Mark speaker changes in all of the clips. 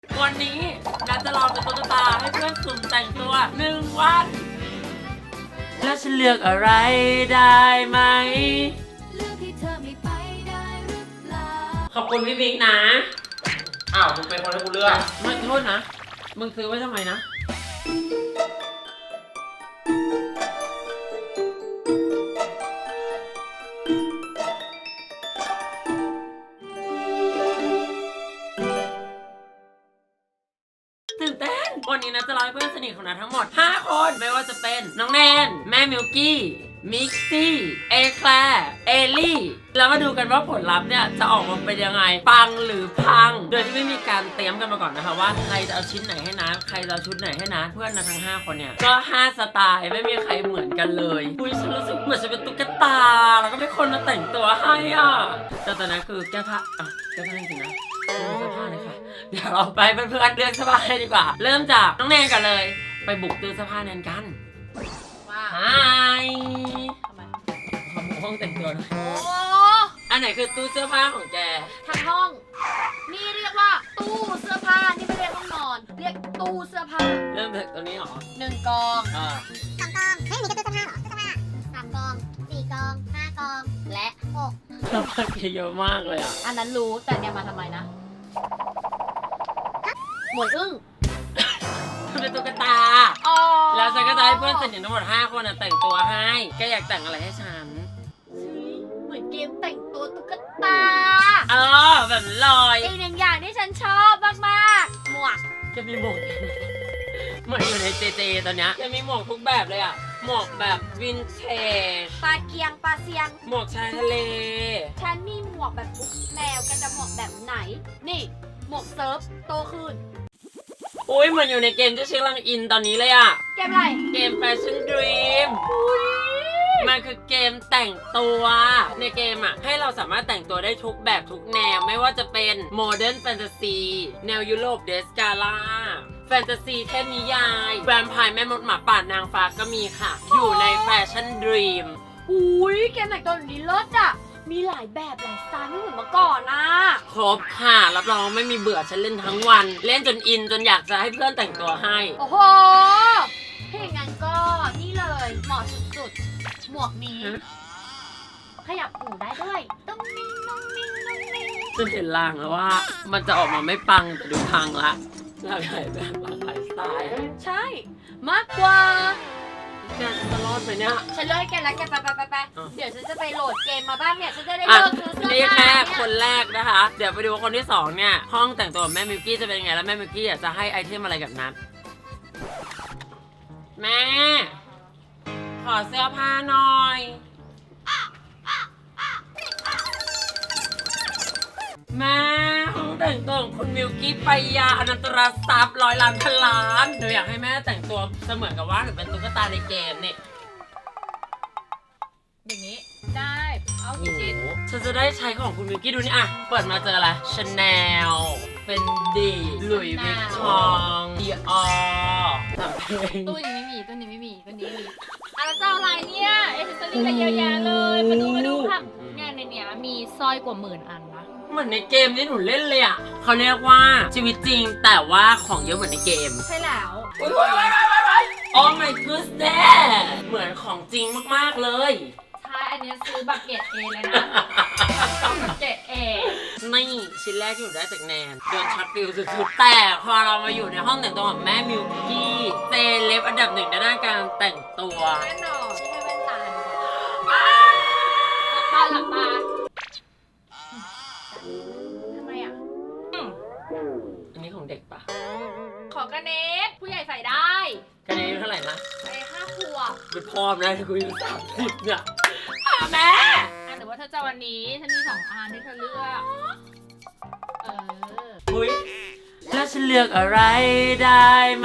Speaker 1: วันนี้นัดจะลองเป็นตุ๊กตาให้เพื่อนสุ่มแต่งตัว1 วัน แล้วฉันเลือกอะไรได้ไหมขอบคุณพี่บิ๊กนะ
Speaker 2: อ้าวมึงเป็นคนให้กูเลือก
Speaker 1: ไม่โทษนะมึงซื้อไว้ทำไมนะตื่นเต้นวันนี้นะจะรอให้เพื่อนสนิทของนัททั้งหมด5 คนไม่ว่าจะเป็นน้องแนนแม่มิลกี้มิกซี่เอแคลร์เอลี่แล้วมาดูกันว่าผลลัพธ์เนี่ยจะออกมาเป็นยังไงปังหรือพังโดยที่ไม่มีการเตรียมกันมาก่อนนะคะว่าใครจะเอาชิ้นไหนให้นะใครจะเอาชุดไหนให้นะเพื่อนนะทั้ง5 คนเนี่ยก็5 สไตล์ไม่มีใครเหมือนกันเลยอุ้ยฉันรู้สึกเหมือนจะเป็นตุ๊กตาแล้วก็เป็นคนมาแต่งตัวให้อ่ะแต่ตอนนั้นคือแก้ผ้าแก้ผ้าจริงๆนะเสื้อผ้าเลยค่ะเดี๋ยวเราไปเพื่อนๆเลือกเสื้อผ้าให้ดีกว่าเริ่มจากน้องแนนกันเลยไปบุกตู้เสื้อผ้าแนนกันไฮ
Speaker 3: ทำไม
Speaker 1: ขอบุกห้องแต่งตัวหน่อย
Speaker 3: โอ้
Speaker 1: อันไหนคือตู้เสื้อผ้าของแก
Speaker 3: ทั้งห้อง นี่เรียกว่าตู้เสื้อผ้า นี่ไม่เรียกห้องนอน เรียกตู้เสื้อผ้า
Speaker 1: เริ่มจากตัวนี้เหรอ
Speaker 3: 1 กอง
Speaker 4: 2 กองเฮ้ยมีกระตู้เสื้อผ้าเหรอตู้เสื้อผ้า3 กอง 4 กอง 5 กอง และ6
Speaker 1: เสื้อผ้าแกเยอะมากเลยอ่ะ
Speaker 3: อันนั้นรู้แต่เนี่ยมาทำไมนะหมวยอึ้ง
Speaker 1: มันเป็นตุ๊กตา
Speaker 3: อ๋อ
Speaker 1: แล้วฉันก็จะให้เพื่อนสนิททั้งหมด5 คนแต่งตัวให้แกอยากแต่งอะไรให้ฉัน
Speaker 3: เหมือนเกมแต่งตัวตุ๊กตา
Speaker 1: แบบลอย
Speaker 3: อีก1 อย่างที่ฉันชอบมากๆหมวก
Speaker 1: จะมีหมวกเหมือนอยู่ในเจเจตอนเนี้ยจะมีหมวกทุกแบบเลยอ่ะหมวกแบบวินเทจ
Speaker 3: ปลาเกียงปลาเซียง
Speaker 1: หมวกชายทะเล
Speaker 3: ฉันมีหมวกแบบทุกแนวกันจะหมวกแบบไหน นี่หมวกเซิร์ฟโตขึ้น
Speaker 1: อุ้ยเหมือนอยู่ในเกมที่ชื่อกำลังอินตอนนี้เลยอ่ะ
Speaker 3: เกมอะไร
Speaker 1: เกม Fashion Dream มันคือเกมแต่งตัวในเกมอ่ะให้เราสามารถแต่งตัวได้ทุกแบบทุกแนวไม่ว่าจะเป็นโมเดิร์นแฟนตาซีแนวยุโรปเดสกาล่าแฟนตาซีเทพนิยายแวมไพร์แม่มดหมาป่านางฟ้าก็มีค่ะ อยู่ใน Fashion Dream
Speaker 3: อุ้ยเกมแต่งตัวแบบนี้เลิศอ่ะ มีหลายแบบหลายสไตล์ไม่เหมือนเมื่อก่อนนะ
Speaker 1: ครบค่ะรับรองไม่มีเบื่อฉันเล่นทั้งวัน เล่นจนอินจนอยากจะให้เพื่อนแต่งตัวให้
Speaker 3: โอ้โหถ้าอย่างนั้นก็นี่เลยเหมาะสุดๆ หมวกนี้ ขยับหูได้ด้วยตุ้งนิ่งนุ่งนิ่งนุ่งนิ่ง
Speaker 1: ฉันเห็นลางแล้วว่ามันจะออกมาไม่ปังแต่ดูพังละหลากหลายแบบหลากหลายสไตล์
Speaker 3: ใช่ มากกว่า
Speaker 1: แกจะรอดไหมเนี่ย
Speaker 3: ฉันเลิกแกแล้วแกไป
Speaker 1: อ่ะ
Speaker 3: เดี๋ยวฉันจะไปโหลดเกมมาบ้างเนี่ย ฉันจะได้
Speaker 1: อ่ะ
Speaker 3: เลิกซื้อเสื้อ
Speaker 1: นี่
Speaker 3: ผ้า
Speaker 1: แค่
Speaker 3: เนี่ย
Speaker 1: คนแรกนะคะ เดี๋ยวไปดูคนที่2เนี่ยห้องแต่งตัวของแม่มิวกี้จะเป็นยังไงแล้วแม่มิวกี้อยากจะให้ไอเทมอะไรกับนัทแม่ ขอเสื้อผ้าหน่อยแม่ห้องแต่งตัวของคุณมิวกี้ไปยาอนันตรทรัพย์100 ล้านพันล้านหนูอยากให้แม่แต่งตัวเสมือนกับว่าหนูเป็นตุ๊กตาในเกมเนี่ย
Speaker 3: อย่างนี้ ได้ เอากี่
Speaker 1: โอ้
Speaker 3: ชิ้น
Speaker 1: โหฉันจะได้ใช้ของคุณมิวกี้ดูนี่อ่ะเปิดมาเจออะไรชาแนลเป็นดีหลุยส์วิกตองดีออสามเพลง
Speaker 3: ตู้นี้ไม่มีตู้นี้ไม่มีตู้นี้มีอะไรเจ้าอะไรเนี่ยเอเซอรี่อะไรเยอะแยะเลยมาดูค่ะเนี่ยในเนี้ยมีสร้อยกว่า10,000 อันนะ
Speaker 1: เหมือนในเกมที่หนูเล่นเลยอ่ะเขาเรียกว่าชีวิตจริงแต่ว่าของเยอะเหมือนในเกม
Speaker 3: ใช่แล้ว
Speaker 1: โอ้ my goodness เหมือนของจริงมากๆเลย
Speaker 3: ใช่อันนี้ซื้อบักเก็ตเอเลยนะบักเก็ตเอ
Speaker 1: นี่ชิ้นแรกที่หนูได้จากแนนโดนช็อตฟิลสุดๆแต่พอเรามาอยู่ในห้องแต่งตัวของแม่มิวกี้เซเลบอันดับ 1ในด้านการแต่งตัว
Speaker 3: แน่นอนที่ให้แว่นตาดีกว่าหลับตาทำไมอ่ะ
Speaker 1: อันนี้ของเด็กปะ
Speaker 3: ขอกระเนตผู้ใหญ่ใส่ได้
Speaker 1: กันนี้เท่าไหร่นะ
Speaker 3: ไป5 ขวบ
Speaker 1: เป็นพ่อมนะที่กูอายุ30เนี่ยแม่
Speaker 3: หรือว่าเธอจะวันนี้ฉันมี2 อันที่เธอเลือก
Speaker 1: อุ้ยแล้วฉันเลือกอะไรได้ไหม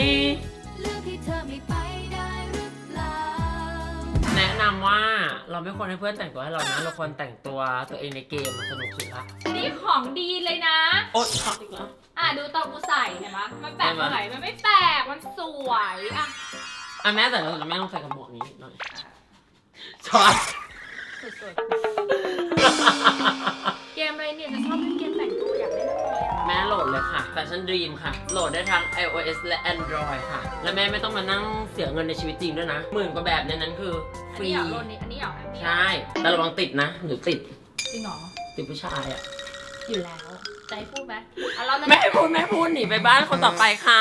Speaker 1: แนะนำว่าเราไม่ควรให้เพื่อนแต่งตัวให้เรานะเราควรแต่งตัวตัวเองในเกมสนุกสุดละ
Speaker 3: นี่ของดีเลยนะ
Speaker 1: โอ๊ยช็อตอีกแล้ว
Speaker 3: ดูตอนกูใส่เห็นปะมันแปลกตรงไหนมันไม่แปลกมันสวยอ่ะ
Speaker 1: แม่แต่เราแม่ต้องใส่กระบอกนี้หน่อยช็อต
Speaker 3: สุดๆ เกมอะไรเนี่ยจะชอบเล่นเกมแต่งตัวอยากเล่นเลยอ่ะ
Speaker 1: แม่โหลดเลยค่ะ Fashion Dream ค่ะ โหลดได้ทั้ง iOS และ Android ค่ะ และแม่ไม่ต้องมานั่งเสียเงินในชีวิตจริงด้วยนะ10,000 กว่าแบบในนั้นคือฟรี
Speaker 3: อันนี้เหรอโลนนี้อันนี้เหรอ
Speaker 1: ใช่ แต่ระวังติดนะหรือติด
Speaker 3: จริงเหรอ
Speaker 1: ติดผู้ชายอ่ะ
Speaker 3: อยู่แล้วจะให้พูดไหมอ่ะเราจะ
Speaker 1: แม่พูดหนีไปบ้านคนต่อไปค่ะ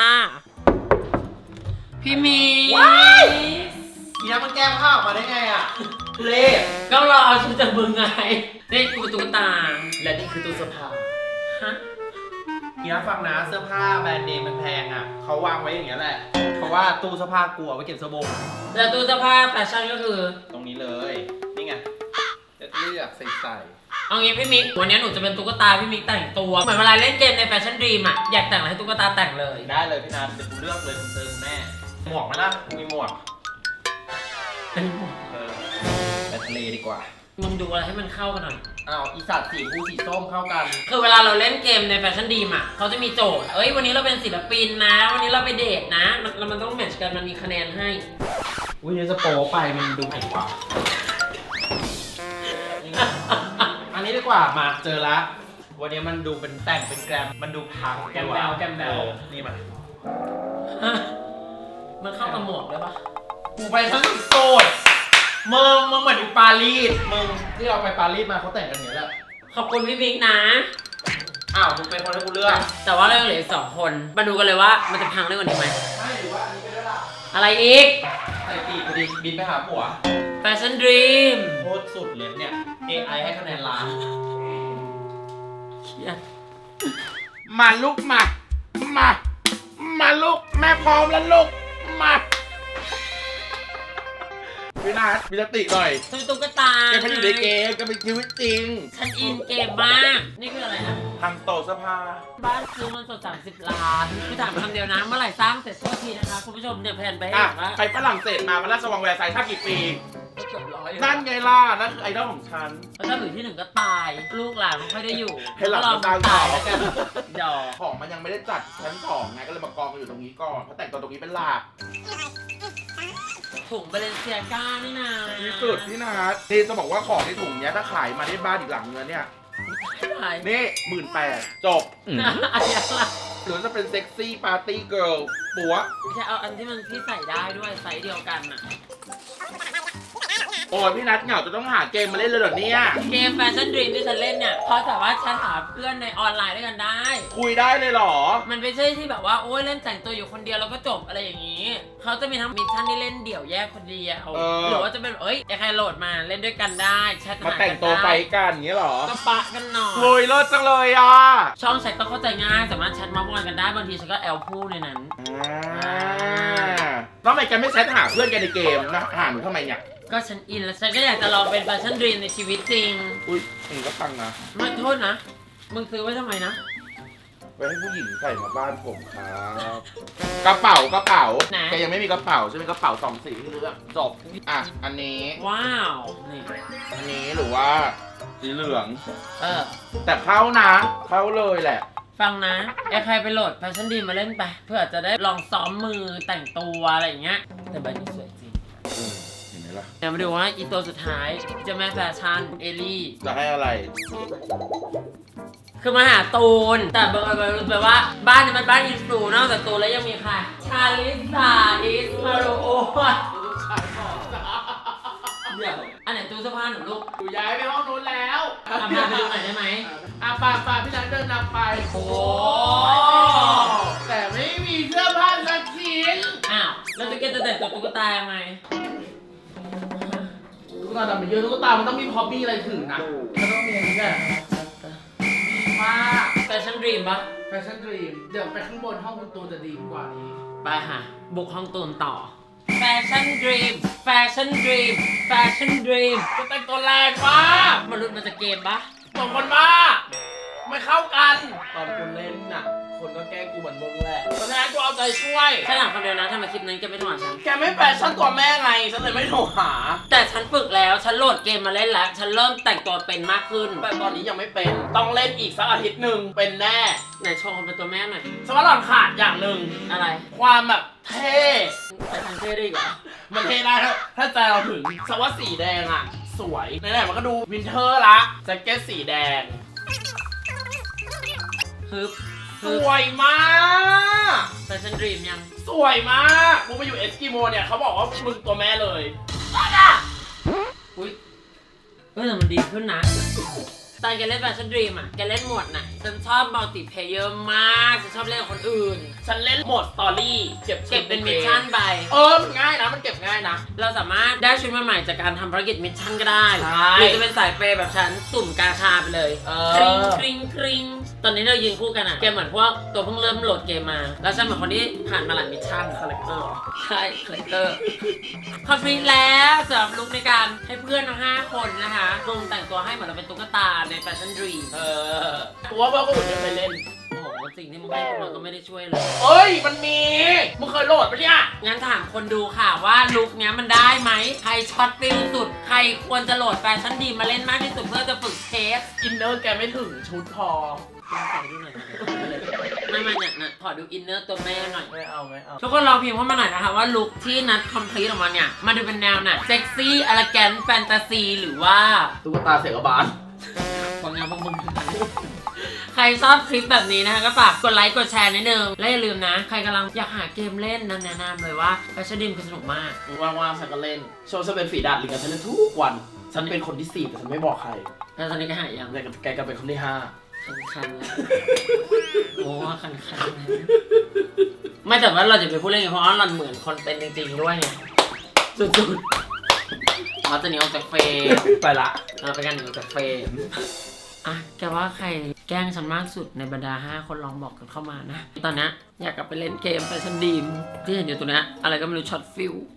Speaker 1: พี่มี
Speaker 2: ทีนั้นมันแก้ผ้าออกมาได้ไงอ่ะทุเล่
Speaker 1: ก็รอเอาชุดจากมึงไง นี่กูเป็นตุ๊กตา
Speaker 2: และนี่คือตู้เสื้อผ้า
Speaker 1: ฮะ
Speaker 2: ทีนั้นฟังนะเสื้อผ้าแบรนด์เนมมันแพงอ่ะเขาวางไว้อย่างเงี้ยแหละ เพราะว่าตู้เสื้อผ้ากูเอาไว้เก็บเสื้อบง
Speaker 1: แล้วตู้เสื้อผ้าแฟชั่นก็คือ
Speaker 2: ตรงนี้เลย นี่ไงเลือกใส่
Speaker 1: เอางี้พี่มิกวันนี้หนูจะเป็นตุ๊กตาพี่มิกแต่งตัว เหมือนเวลาเล่นเกมในแฟชั่นดรีมอะอยากแต่งอะไรให้ตุ๊กตาแต่งเลย
Speaker 2: ได้เลยพี่นัทเดี๋ยวกูเลือกเลยคุณเจอคุณแม่หมวกไหมล่ะกูมีหมวกไปทะเลดีกว่า
Speaker 1: มึงดูอะไรให้มันเข้ากันหน่อย
Speaker 2: อ้าวอีสัตว์สีฟูสีส้มเข้ากัน
Speaker 1: คือเวลาเราเล่นเกมในแฟชั่นดรีมอะเขาจะมีโจทย์ เอ้ยวันนี้เราเป็นศิลปินนะ วันนี้เราไปเดทนะแล้วมันต้องแมทช์กันมันมีคะแนนให้
Speaker 2: อุ้ยเดี๋ยวจะโป๊ไปมันดูแผ่นกว่า อันนี้ดีกว่ามาเจอละ วันนี้มันดูเป็นแต่งเป็นแกรมมันดูพัง
Speaker 1: แกมแบลแกมแบล
Speaker 2: นี่มา
Speaker 1: มันเข้ากับหมวกด้วยปะ
Speaker 2: กูไปทั้งโสดมึงเหมือนอยู่ปารีสมึงที่เราไปปารีสมาเขาแต่งกันอย่างนี้แหละ
Speaker 1: ขอบคุณพี่มิกนะ
Speaker 2: อ้าวมึงเป็นคนให้กูเลือก
Speaker 1: แต่ว่าเรายังเหลืออีก2 คน มาดูกันเลยว่ามันจะพังได้กว่านี้ไหม
Speaker 2: ไม่หรือว่าอันนี้ไปด้วยล่ะ
Speaker 1: อะไรอีก
Speaker 2: ใส่ปีกกูดิบินไปหาผัว
Speaker 1: แฟชั่นดรีม
Speaker 2: โคตรสุดเลยเนี่ย AI ให้คะแนนล้าน
Speaker 1: เครียด
Speaker 5: มาลูกมาลูกแม่พร้อมแล้วลูกมาพี่นัทมีสติหน่อย
Speaker 1: ซื้อตุ๊กตา
Speaker 5: แกไม่อยู่ในเกมแกเป็นชีวิตจริง
Speaker 1: ฉันอินเกมมาก นี่คืออะไรนะ
Speaker 5: ทางโตะเสื้อผ้า
Speaker 1: บ้านซื้อมันสด30 ล้านคือถามคำเดียวนะ เมื่อไหร่สร้างเสร็จสักทีนะคะ คุณผู้ชมเนี่ยแผนไปให้
Speaker 5: อ่ะ
Speaker 1: เห็นว่า
Speaker 5: ไปฝรั่งเศสมามันราชวังแวร์ไซน์ท่ากี่ปี
Speaker 1: เกือบ100อยู่
Speaker 5: นั่นไงล่ะ นั่นคือไอดอลของฉัน
Speaker 1: แล้วถ้าหรือที่ 1ก็ตาย ลูกหลานไม่ค่อยได้อยู่
Speaker 5: ให้หลาน
Speaker 1: ก็ลอง
Speaker 5: ตาย
Speaker 1: ตายแล้วกันดอก
Speaker 5: ของมันยังไม่ได้จัดชั้น2ไงก็เลยมากองกันอยู่ตรงนี้ก่อนเพราะแต่งตัวตรงนี้เป็นหลัก
Speaker 1: ถุงเบเลนเซียก้านี่นะ
Speaker 5: ที่สุดพี่นัทที่จะบอกว่าของในถุงเนี้ยถ้าขายมาได้บ้านอีกหลังเงินเนี่ย
Speaker 1: ใช่
Speaker 5: นี่18,000จบ
Speaker 1: อันนี้อะไร
Speaker 5: หรือจะเป็นเซ็กซี่ปาร์ตี้เกิร์ลปัว
Speaker 1: ไม่ใช่เอาอันที่มันที่ใส่ได้ด้วยไซส์เดียวกันอ่ะ
Speaker 5: โอ้ยพี่นัทเหงาจะต้องหาเกมมาเล่นเลยเหรอเนี่ย
Speaker 1: เกมแฟชั่นดรีมที่ฉันเล่นเนี่ยเพราะสามารถแชทหาเพื่อนในออนไลน์ด้วยกันได้
Speaker 5: คุยได้เลยเหรอ
Speaker 1: มันไม่ใช่ที่แบบว่าโอ้ยเล่นแต่งตัวอยู่คนเดียวแล้วก็จบอะไรอย่างนี้ เขาจะมีทั้งมิชชั่นที่เล่นเดี่ยวแยกคนเดียว หรือว่าจะเป็นใครโหลดมาเล่นด้วยกันได้แชท
Speaker 5: มา
Speaker 1: หา
Speaker 5: แต่งตัวไฟ
Speaker 1: กัน
Speaker 5: กันอย่างเงี้ยเหรอ
Speaker 1: ได้ก็ปะกันหน่อย
Speaker 5: โอ้ยเลิศจังเลยอ่ะ
Speaker 1: ช่องแชทก็เข้าใจง่ายสามารถแชทเมาส์มอยกันได้บางทีฉันก็แอลพูดในนั้น
Speaker 5: แล้วทำไมแกไม่แชทหาเพื่อนแกในเกมนะหาหนูทำไมเนี่ย
Speaker 1: ก็ฉันอินแล้วฉันก็อยากจะลองเป็นแฟชั่นดรีมในชีวิตจริง
Speaker 5: อุ้ยนี่ก็ฟังนะ
Speaker 1: ไม่โทษนะมึงซื้อไว้ทำไมนะ
Speaker 5: ไว้ให้ผู้หญิงใส่มาบ้านผมครับกระเป๋าแกยังไม่มีกระเป๋าใช่ไหมกระเป๋า2 สีที่เลือกจบอ่ะอันนี้
Speaker 1: ว้าวนี่
Speaker 5: อันนี้หรือว่าสีเหลือง
Speaker 1: อ
Speaker 5: แต่เข้านะเข้าเลยแหละ
Speaker 1: ฟังนะใครไปโหลดแฟชั่นดีมาเล่นไปเพื่อจะได้ลองซ้อมมือแต่งตัวอะไรอย่างเงี้ยแต่ใบนี้สวยจริง
Speaker 5: เห็นไหมล่ะ
Speaker 1: เดี๋ยวมาดูว่าอีตัวสุดท้ายเจะแม่แฟชั่นเอลี่
Speaker 5: จะให้อะไร
Speaker 1: คือมาหาตูน แต่บังเอิญแบบว่าบ้านนี้มันบ้านอินฟลูนอกจากตูนแล้วยังมีใครชาลิสาอิสมาโรโอเดี๋ยวอันไหนตู้เสื้อผ้าหนูลูก
Speaker 5: กูย้ายไปห้องนู้นแล้ว
Speaker 1: พาไปดูหน่อยได้ไหม
Speaker 5: ป่าพี่นัทเดินนำไป
Speaker 1: โอ้
Speaker 5: แต่ไม่มีเสื้อผ้าสักชิ้น
Speaker 1: อ้าวแล้วจะเก็ตจะแต่งตัวตุ๊กตายังไง
Speaker 5: ตุ๊กตาดำไปเยอะตุ๊กตามันต้องมีพอปปี้อะไรถึงนะมันต้องมีอันนี้แหละมาก
Speaker 1: แฟชั่นดรีมปะ
Speaker 5: แฟชั่นดรีมเดี๋ยวไปข้างบนห้องคุณตูนจะดีกว่านี้
Speaker 1: ไปค่ะ บุกห้องตูนต่อ แฟชั่นดรีม แฟชั่นดรีม แฟชั่นดรีม
Speaker 5: จะแต่งตัวแรงมาก
Speaker 1: มันรุดมาจากเกมปะ
Speaker 5: สองคนบ้าไม่เข้ากัน ตอนคุณเล่นน่ะ คนก็แกล้งกูเหมือนมึงแหละเพราะฉะนั้นกูเอาใจช่วย
Speaker 1: ฉันถามคนเดียวนะทำไมคลิปนั้นแกไม่โทรหาฉัน
Speaker 5: แกไม่แฟชั่นตัวแม่ไง ฉันเลยไม่โทรหา
Speaker 1: แต่ฉันฝึกแล้ว ฉันโหลดเกมมาเล่นแล้ว ฉันเริ่มแต่งตัวเป็นมากขึ้น
Speaker 5: แต่ตอนนี้ยังไม่เป็น ต้องเล่นอีกสักอาทิตย์หนึ่งเป็นแน่
Speaker 1: ไหนโชว์คนเป็นตัวแม่หน่อย
Speaker 5: สวัสดิ์หล่อนขาดอย่างหนึ่ง
Speaker 1: อะไร
Speaker 5: ความแบบเท่
Speaker 1: แต่ฉันเท่ได้อีกเหรอ
Speaker 5: มันเท่ได้ถ้าใจเราถึงสวัสดิ์สีแดงอ่ะ สวยไหนๆมันก็ดูวินเทอร์ละแจ็คเก็ตสีแดง
Speaker 1: ฮึบฮึ
Speaker 5: สวยมาก
Speaker 1: แฟชั่นดรีมยัง
Speaker 5: สวยมากมึงไปอยู่เอสกิโมเนี่ยเขาบอกว่ามึงตัวแม่เลย
Speaker 1: อุ้ยแต่มันดีขึ้นนะตอนแกเล่นแฟชั่นดรีมอ่ะแกเล่นหมวดไหนฉันชอบมัลติเพลเยอร์มากฉันชอบเล่นกับคนอื่น
Speaker 5: ฉันเล่นโหมดสตอรี่เก็บ
Speaker 1: เป็นมิชชั่นไป
Speaker 5: มันง่ายนะมันเก็บง่ายนะ
Speaker 1: เราสามารถได้ชุดใหม่ๆจากการทำภารกิจมิชชั่นก็ได้
Speaker 5: ใช่
Speaker 1: หรือจะเป็นสายเปย์แบบฉันสุ่มกาชาไปเลย กริ๊งกริ๊งกริ๊งตอนนี้เรายืนคู่กันอ่ะแกเหมือนพวกตัวเพิ่งเริ่มโหลดเกมมา แล้วฉันเหมือนคนที่ผ่านมาหลายมิชชั่นคาแรคเตอร์ใช่คาแรคเตอร์คอมพลีทแล้วสำหรับลุคในการให้เพื่อนทั้ง5คนนะคะรวมแต่งตัวให้เหมือนเราเป็นตุ๊กตาในแฟชั่นดรีม
Speaker 5: กูว่าเพื่อนคนอื่นไม่เคยเล่น
Speaker 1: โอ้โหสิ่งที่มึงให้มันก็ไม่ได้ช่วยเลย
Speaker 5: เอ้ยมันมีมึงเคยโหลดปะเนี่ย
Speaker 1: งั้นถามคนดูค่ะว่าลุคเนี้ยมันได้ไหมใครช็อตฟิลสุดใครควรจะโหลดแฟชั่นดีมาเล่นมากที่สุดเพื่อจะฝึกเทส
Speaker 5: อินเนอร์แกไม่ถึงชุดพอ
Speaker 1: ลองใส่ดูหน่อยไม่เนี่ยขอดูอินเนอร์ตัวแม่หน่อย
Speaker 5: ไม่เอา
Speaker 1: ทุกคนลองพิมพ์เข้ามาหน่อยนะคะว่าลุคที่นัดคอมพลีทออกมาเนี่ยมันดูเป็นแนวไหนเซ็กซี่อลาแกนแฟนตาซีหรือว่า
Speaker 5: ตุ๊กตาเสกบาล
Speaker 1: ของงานพวกมึงใครชอบคลิปแบบนี้นะคะก็ฝากกดไลค์กดแชร์นิดนึงและอย่าลืมนะใครกำลังอยากหาเกมเล่นนั้นแนะนำเลยว่าแฟชั่นดีมคือสนุกมาก
Speaker 5: ว่างๆฉันก็เล่นโชว์ฉันเป็นฝีดาดลิงกับฉันเล่นทุกวัน ฉันเป็นคนที่4แต่ฉันไม่บอกใคร
Speaker 1: แล้วตอนนี้ก็หายยัง
Speaker 5: แต่แกก็เป็นคนที่5
Speaker 1: คันๆแล้วโอ้คันๆไม่แต่ว่าเราจะไปพูดเล่นกันเพราะว่าเราเหมือนคนเป็นจริงๆด้วยไงสุดๆเราจะหนีออกจากเฟรม
Speaker 5: ไปละ
Speaker 1: เป็นการหนีออกจากเฟรมอ่ะแกว่าใครแกล้งฉันมากสุดในบรรดา5คนลองบอกกันเข้ามานะตอนนี้อยากกลับไปเล่นเกมแฟชั่นดีมที่เห็นอยู่ตัวเนี้ยอะไรก็ไม่รู้ช็อตฟิล